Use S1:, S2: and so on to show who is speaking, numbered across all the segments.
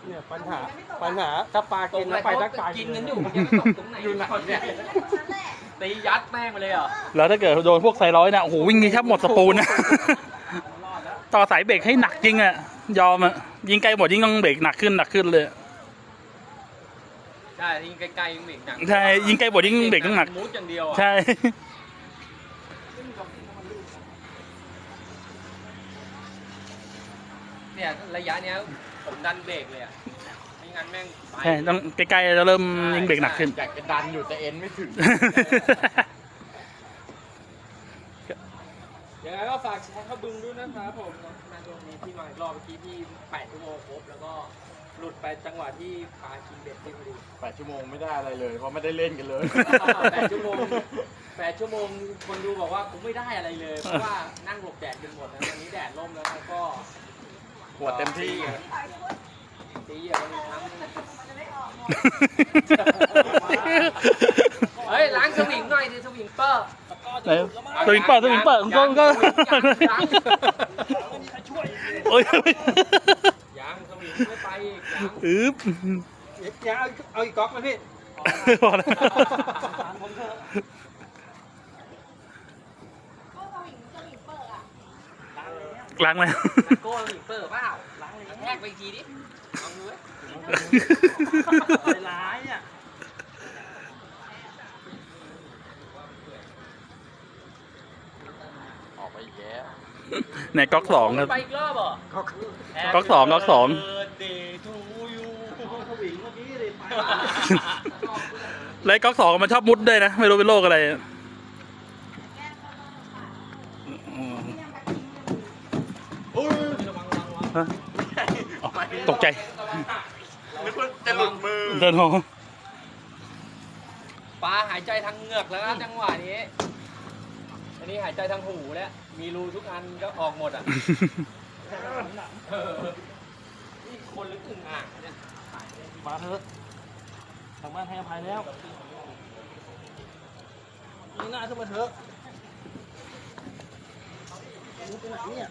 S1: เนี่ยปัญหาถ้าปลากินแล้วไปทักปลากินกันอยู่อยู่ไหนเนี่ย
S2: ตียัดแม่งไปเลยเหรอ
S3: แล้วถ้าเกิดโดนพวกไซร้อยเนี่ยโอ้โหวิ่งนี้แทบหมดสปูนนะต่อสายเบรกให้หนักจริงอ่ะยอมอ่ะยิงไกลหมดยิ่งต้องเบรกหนักขึ้นเลย
S2: ใช่ยิงไกลๆยิงเบรกหนัก
S3: ใช่ยิงไกลหมดยิ่งเบรกต้องหนัก
S2: มูดอย่างเดียวอ่ะ
S3: ใช่
S2: เนี่ยระยะเนี้ยผมดันเบรกเลยอ่ะไม่งั้นแม่ง
S3: ใช่ต้องใกล้ๆจะเริ่มยิงเบรกหนักขึ้น
S1: อยากจะดันอยู่แต่เอ็นไม่ถึงยังไงก็ฝากแชร์เข้าบึงด้วยนะครับผมในตรงนี้ที่มาอีกรอบเมื่อกี้ที่8 ชั่วโมงครบแล้วก็หลุดไปจังหวะที่ปลากินเบ็ดที่พอดี8 ชั่วโมงไม่ได้อะไรเลยเพราะไม่ได้เล่นกันเลย8 ชั่วโมง8 ชั่วโมงคนดูบอกว่าผมไม่ได้อะไรเลยเพราะว่านั่งหลบแดดกันหมดนะวันนี้แดดร่มแล้วก็ปวดเต็มที่ตีอย่างนี้ทั้งเฮ้ยล้างสวิงหน่อยดิสวิงเปอร์
S3: สวิงเปิดก็โอ้ย
S1: ยังสวิงไม่ไปอีก
S3: ยัง
S1: เอาอีกก๊อกมาพี่
S3: พอแล้วล้างไหม
S2: โก้สวิงเปอร์เปล่าล้างเลยแทกไปอีกทีดิลองดูเว้ยร้ายอ่ะ
S1: ออกไปอีกแล้ว
S3: ในก๊อก2ครับ
S2: ไปอีกรอบเหรอ
S3: ก๊อก2แล้วก๊อก2มันชอบมุดด้วยนะไม่รู้เป็นโรคอะไรตกใจ
S1: นึกว่าจะหลุดมือ
S3: เดินหอ
S2: ปลาหายใจทางเหงือกแล้วนะจังหวะนี้อันนี้หายใจทางหูแล้วมีรูทุกอันก็ออกหมดอ่ะนี่คนหรืออึ่งอ่างเนี่ย
S3: มาเถอะทางบ้านให้อภัยแล้วนี่หน้าขึ้นมาเถอะไปไหนเนี่ย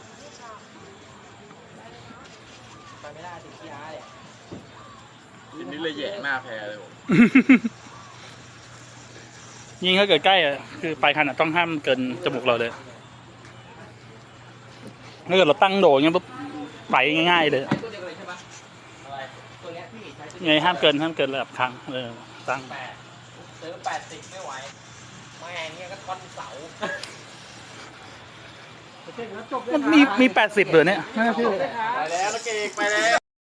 S2: ไปไม่ได้ถึงที่อาเลย
S1: ยินนี้เลยแย่หน้าแพ้เลยผม
S3: ยิงถ้าเกิดใกล้อะคือปลายคันอะต้องห้ามเกินจมูกเราเลยถ้าเกิดเราตั้งโดดอย่างเงี้ยปุ๊บไปง่ายๆเลย
S2: ใช้ตัวเดียวเลยใช่ปะอะไรตัวเนี้ยพี่ใช้ตัว
S3: ไงห้ามเกินระดับครั้งตั้ง
S2: ซื้อ80ไม่ไหวแม่งเงี้ยก็ท่อนเสา
S3: มันมี80เหรอเนี่ย
S1: ไปแล้วนะเก่งไปแล้ว